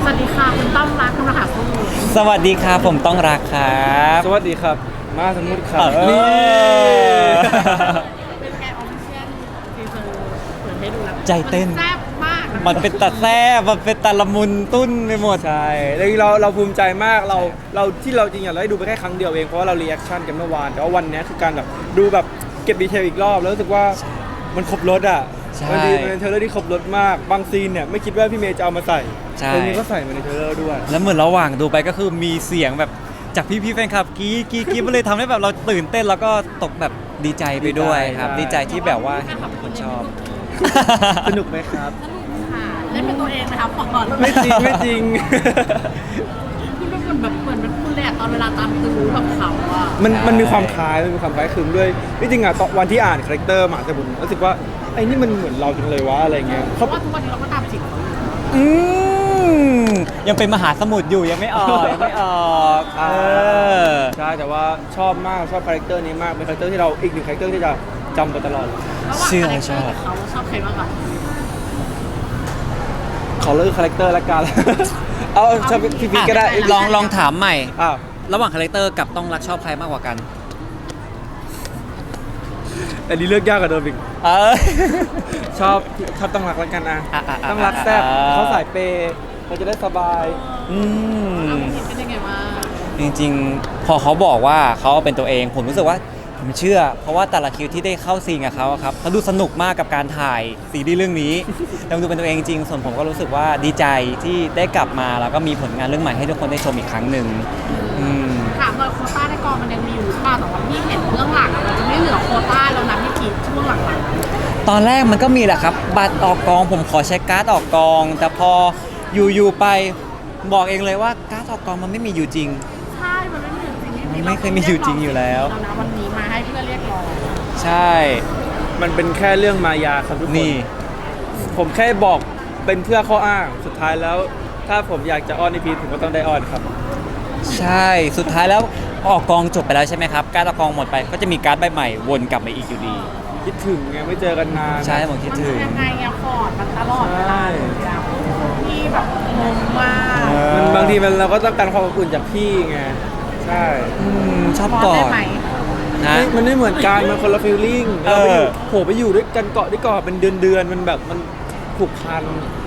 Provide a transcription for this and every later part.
วัสดีค่ะคุณต้อมรักคุณมหาภูมิสวัสดีครับผมต้องรักครับสวัสดีครับมาสมุทรครับนี่เป็นแกออฟฟิเชียลทีเซอร์เปิดให้ดูแล้วใจเต้นแซ่บมากมันเป็นตาแซ่บมันเป็นตาละมุนตุ้นไปหมดใช่แล้วเราภูมิใจมากเราที่เราจริงๆเราได้ดูไปแค่ครั้งเดียวเองเพราะว่าเรารีแอคชั่นกันเมื่อวานแต่ว่าวันนี้คือการแบบดูแบบเก็บดีเทลอีกรอบแล้วรู้สึกว่ามันครบรถอ่ะมันเป็นเทเลอร์ที่ครบรถมากบางซีนเนี่ยไม่คิดว่าพี่เมย์จะเอามาใส่ตรงนี้ก็ใส่มาในเทเลอร์ด้วยแล้วเหมือนระหว่างดูไปก็คือมีเสียงแบบจากพี่แฟนคลับกรี๊ดมันเลยทำให้แบบเราตื่นเต้นแล้วก็ตกแบบดีใจไปด้วยครับดีใจที่แบบว่าเห็นคนชอบสนุกไหมครับสนุกค่ะเล่นเป็นตัวเองนะคะก่อนไม่จริงไม่จริงคุณเป็นคนแบบเหมือนเป็นคุณเลยอะตอนเวลาตามตื้อแบบเขาอะมันมีความคล้ายคลึงด้วยที่จริงอ่ะตอนวันที่อ่านคาแรคเตอร์หมาแต่ผมรู้สึกว่าไอ้นี่มันเหมือนเราจังเลยวะอะไรเงี้ยเพราะว่าทุกวันนี้เราก็ตามจีบเขาอยู่อืมยังเป็นมหาสมุทรอยู่ยังไม่ออกยังไม่ออกใช่แต่ว่าชอบมากชอบคาแรคเตอร์นี้มากเป็นคาแรคเตอร์ที่เราอีกหนึ่งคาแรคเตอร์ที่จะจำไปตลอดระหว่างคาแรคเตอร์กับเขาชอบใครมากกว่าขอเลิกคาแรคเตอร์ละกัน เอาชอบพี่พีก็ได้ลองถามใหม่อ้าวระหว่างคาแรคเตอร์กับต้องรักชอบใครมากกว่ากันอันนี้เลือกยากกว่าเดิมอีก ชอบต้องรักละกันนะต้องรักแซ่บเขาสายเปย์เราจะได้สบายเราเห็นเป็นยังไงบ้างจริงๆ พอเขาบอกว่าเขาเป็นตัวเองผมรู้สึกว่าผมเชื่อ เพราะว่าแต่ละคิวที่ได้เข้าซีนกับเขาอะครับเขาดูสนุกมากกับการถ่ายซีรีส์เรื่องนี้แล้วดูเป็นตัวเองจริงส่วนผมก็รู้สึกว่าดีใจที่ได้กลับมาแล้วก็มีผลงานเรื่องใหม่ให้ทุกคนได้ชมอีกครั้งหนึ่งถามเลยโควต้าในกองมันยังมีอยู่หรือเปล่าแต่ว่าพี่เห็นเรื่องหลังมันจะไม่เหลือโควต้าแล้วนะพี่กีช่วงหลังตอนแรกมันก็มีแหละครับบัตรออกกองผมขอใช้การ์ดออกกอง แต่พออยู่ไปบอกเองเลยว่าการ์ดออกกองมันไม่มีอยู่จริงใช่มันไม่มีอยู่จริงไม่เคยมีอยู่จริงอยู่แล้วนะวันนี้มาให้เพื่อเรียกร้องใช่มันเป็นแค่เรื่องมายาครับทุกคนนี่ผมแค่บอกเป็นเพื่อข้ออ้างสุดท้ายแล้ว ถ้าผมอยากจะอ้อนในพีผมก็ต้องได้อ้อนครับใช่สุดท้ายแล้วออกกองจบไปแล้วใช่ไหมครับการ์ดออกกองหมดไปก็จะมีการ์ดใบใหม่วนกลับมาอีกอยู่ดีคิดถึงไงไม่เจอกันนานใช่ผมคิดถึงมันยังไงอะฟอร์ดมันตลอดเวลาเลยอะพี่แบบงงมากมันบางทีเราก็ต้องการความอบอุ่นจากพี่ไงใช่ชอบฟอร์กดอได้ดไหมนะมันไม่เหมือนกันมันคนละฟีลลิ่งเราไปอยู่โหไปอยู่ด้วยกันเกาะด้วยเกาะเป็นเดือนมันแบบมันผูกพัน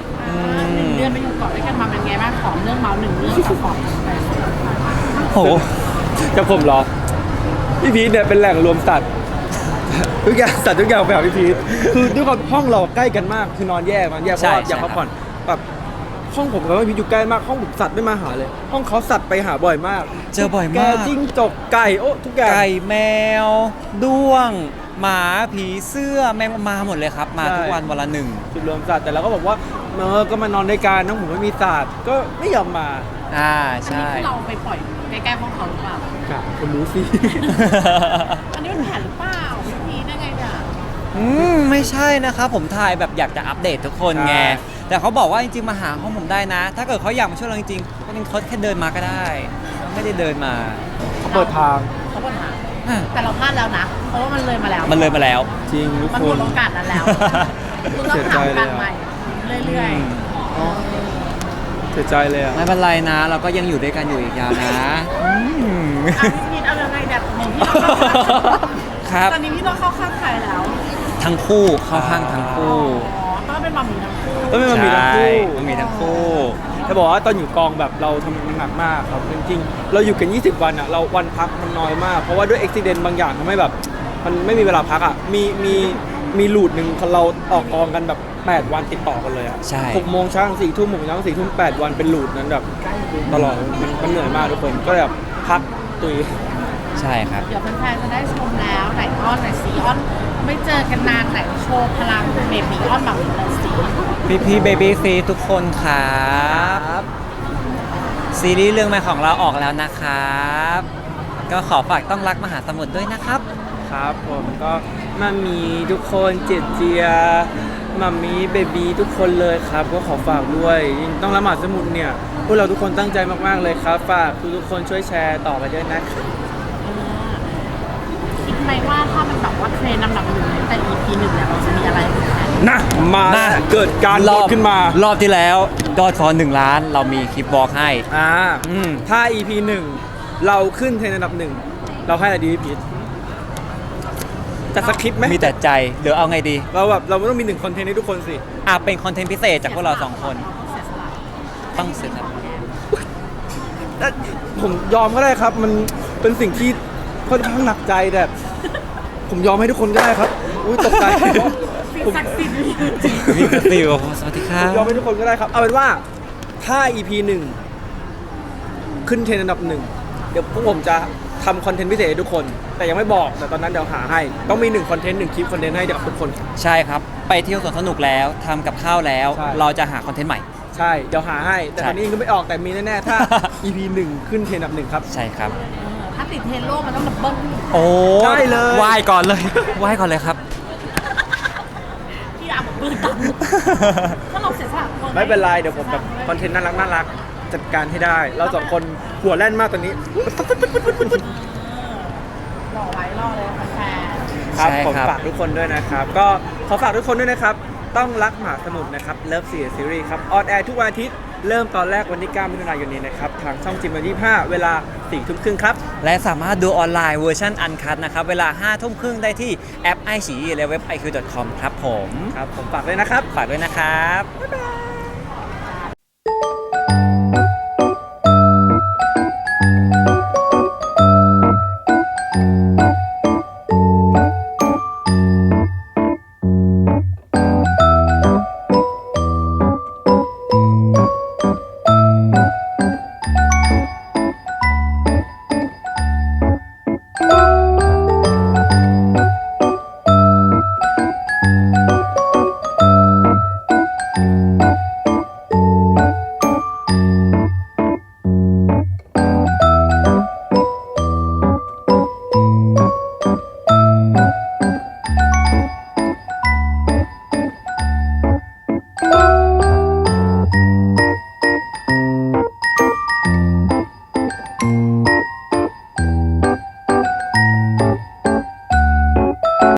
1 เดือนไปอยู่เกาะด้วยกันมาเป็นไงบ้างขอเรื่องเมาส์1 เรื่องกับฟอร์ดโหกับผมเหรอพี่พีทเนี่ยเป็นแหล่งรวมสัตว์ ทุกอย่างสัตว์ทุกอย่างไปหาพี่พีทคือด้วยความห้องเราใกล้กันมากคือนอนแยกเพราะว่าอยากพักผ่อนแบบห้องผมกับพี่พีทอยู่ใกล้มากห้องผมสัตว์ไม่มาหาเลย ห้องเขาสัตว์ไปหาบ่อยมากเจอบ่อยแกมากจิ้งจกไก่โอ้ทุกอย่างไก่แมวด้วง หมาผีเสื้อแมงมาหมดเลยครับ มาทุกวันละหนึ่งจุดรวมสัตว์แต่เราก็บอกว่าก็มานอนด้วยกันน้องผมไม่มีสัตว์ก็ไม่ยอมมาใช่อันนี้คือเราไปปล่อยใกล้ๆห้องเขาหรือเปล่าคนรู้สิอันนี้มันแผนหรือเปล่าพี่พีได้ไงเนี่ยไม่ใช่นะครับผมถ่ายแบบอยากจะอัปเดตทุกคนไงใช่แต่เขาบอกว่าจริงๆมาหาห้องผมได้นะ ถ้าเกิดเขาอยากมาช่วยเราจริงๆก็เป็นเขาแค่เดินมาก็ได้ ไม่ได้เดินมาเขาเปิดทางเขาปัญหาแต่เราพลาดแล้วนะ เพราะว่ามันเลยมาแล้วมันเลยมาแล้วจริงทุกมันคหมนดโอกาสนั้นแล้วคุณต้องหาโอกาสใหม่เรื่อยๆเสียใจเลยอ่ะไม่เป็นไรนะ เราก็ยังอยู่ด้วยกันอยู่อีกยาวนะพี่พีทเอายังไงแบบของพี่ต้องเข้าข้างครับตอนนี้พี่ต้องเข้าข้างใครแล้วทั้งคู่เข้าข้างทั้งคู่ต้องเป็นมัมมี่ทั้งคู่ก็ไม่มีทั้งคู่มันมีทั้งคู่จะบอกว่าตอนอยู่กองแบบเราทำงานหนักมากครับจริงๆเราอยู่กัน 20 วันอ่ะเราวันพักมันน้อยมาก เพราะว่าด้วยอุบิเหตุบางอย่างทำให้แบบมันไม่มีเวลาพักอ่ะมีลูดหนึ่งเราออกกองกันแบบ8 วันติดต่อกันเลยอ่ะใช่ 6 โมงเช้าถึง4 ทุ่ม6 โมงเช้าถึง4 ทุ่ม8 วันเป็นลูดนั้นแบบตลอดมันเหนื่อยมากทุกคนก็เลยแบบพักตุยใช่ครับเดี๋ยวแฟนๆจะได้ชมแล้วไหนอ้อนไหนซีอ้อนไม่เจอกันนานไหนโชว์พลังเบบีอ้อนแบบนี้เลยสิพี่เบบี้ซีทุกคนครับซีรีส์เรื่องใหม่ของเราออกแล้วนะครับ ก็ขอฝากต้องรักมหาสมุทรด้วยนะครับครับผมก็มามีทุกคนเจเจียมามีเบบีทุกคนเลยครับก็ขอฝากด้วยต้องละหมาดสมุดเนี่ยพวกเราทุกคนตั้งใจมากๆเลยครับฝากทุกคนช่วยแชร์ต่อไปด้วยนะครับคิดไหมว่าถ้ามันแบบว่าเทรนด์ลำดับหนึ่งตั้งแต่ EP 1เนี่ยเราจะมีอะไรนะมานะเกิดการโหวตขึ้นมารอบที่แล้วยอดฟอล1 ล้านเรามีคลิปบล็อกให้ อืมถ้า EP 1 เราขึ้นเทรนด์อันดับ 1 เราให้อะไรดีพี่พีทจัดสคริปต์ไหมมีแต่ใจเดี๋ยวเอาไงดีเราไม่ต้องมี1 คอนเทนต์ให้ทุกคนสิเป็นคอนเทนต์พิเศษจากพวกเรา2 คนต้องเสร็จแล้วผมยอมก็ได้ครับ มันเป็นสิ่งที่ค่อนข้างหนักใจแต่ผมยอมให้ทุกคนก็ได้ครับอุ้ยตกใจสิ่งผมศักดิ์สิทธิ์มีกระติวสวัสดีครัผมยอมบให้ทุกคนก็ได้ครับ เอาเป็นว่าถ้า EP 1 ขึ้นเทรนด์อันดับ 1 เดี๋ยวพวกผมจะทำคอนเทนต์พิเศษให้ทุกคน แต่ยังไม่บอกแต่ตอนนั้นเดี๋ยวหาให้ ต้องมี1 คอนเทนต์ 1 คลิปคอนเทนต์ให้กับทุกคนใช่ครับ ไปเที่ยวสวนสนุกแล้วทำกับข้าวแล้วใช่เราจะหาคอนเทนต์ใหม่ใช่เดี๋ยวหาให้ แต่ใช่ตอนนี้ยังไม่ออกแต่มีแน่ๆถ้า EP 1 ขึ้นเทรนด์อันดับ 1 ครับใช่ครับถ้าติดเทรนด์โลกมันต้องดับเบิ้ลโอ้ได้เลยไหว้ก่อนเลยไหว้ก่อนเลยครับพี่อาบอกปืนตังถ้าเราเสียสละตัวไม่เป็นไรเดี๋ยวผมแบบคอนเทนต์น่ารักจัดการให้ได้ เรา2 คนหัวแล่นมากตอนนี้รอไว้รอเลยแฟนครับใช่ผมครับฝากทุกคนด้วยนะครับ ก็ขอฝากทุกคนด้วยนะครับ ต้องรักมหาสมุทรนะครับเลิฟซีรีส์ครับออนแอร์ทุกวันอาทิตย์เริ่มตอนแรกวันที่9 มิถุนายนนี้นะครับ ทางช่องจิม25เวลา 4 ทุ่มครึ่งครับและสามารถดูออนไลน์เวอร์ชันอันคัดนะครับ เวลา 5 ทุ่มครึ่งได้ที่แอป iQIYI และเว็บ iq.com ครับผมครับ ผมฝากด้วยนะครับฝากด้วยนะครับบ๊ายบาย